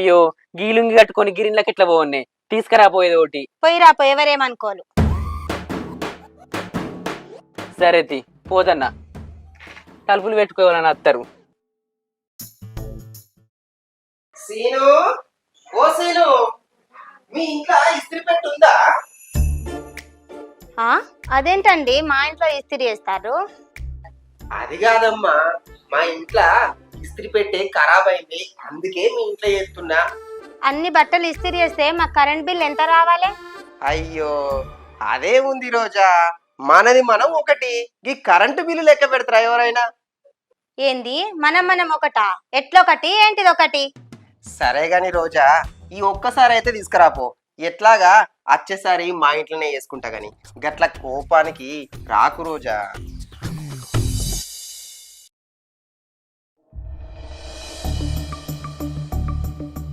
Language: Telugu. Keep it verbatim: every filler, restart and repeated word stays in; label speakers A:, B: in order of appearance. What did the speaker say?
A: అయ్యో గీలుంగి కట్టుకొని గిరిన్లకి ఎట్లా పోవన్నే తీసుకురాపోయేది ఒకటి.
B: పోయిరా పో, ఎవరేమనుకోలు.
A: సరే తి పోదన్నా, తలుపులు పెట్టుకోవాలని అత్తరు.
C: సీను, ఓ సీను, మీ ఇంట్లో ఇస్త్రీ పెట్టి ఉందా?
B: ఆ అదేంటండి మా ఇంట్లో ఇస్త్రీ చేస్తారు?
C: అది కాదమ్మా, మా ఇంట్లో ఇస్త్రీ పెట్టే ఖరాబ్ అయింది, అందుకే మీ ఇంట్లో చేస్తున్నా.
B: అన్ని బట్టలు ఇస్త్రీ చేస్తే మా కరెంట్ బిల్ ఎంత రావాలి?
C: అయ్యో అదే ఉంది రోజా, మనది మనం ఒకటి, ఈ కరెంటు బిల్లు లెక్క పెడతారా ఎవరైనా?
B: ఏంది మనం మనం ఒకటా? ఎట్లొకటి ఏంటిది ఒకటి?
C: సరే గాని రోజా, ఈ ఒక్కసారి అయితే తీసుకురాపో, ఎట్లాగా వచ్చేసారి మా ఇంట్లోనే చేసుకుంటా గాని, గట్ల కోపానికి రాకు రోజా.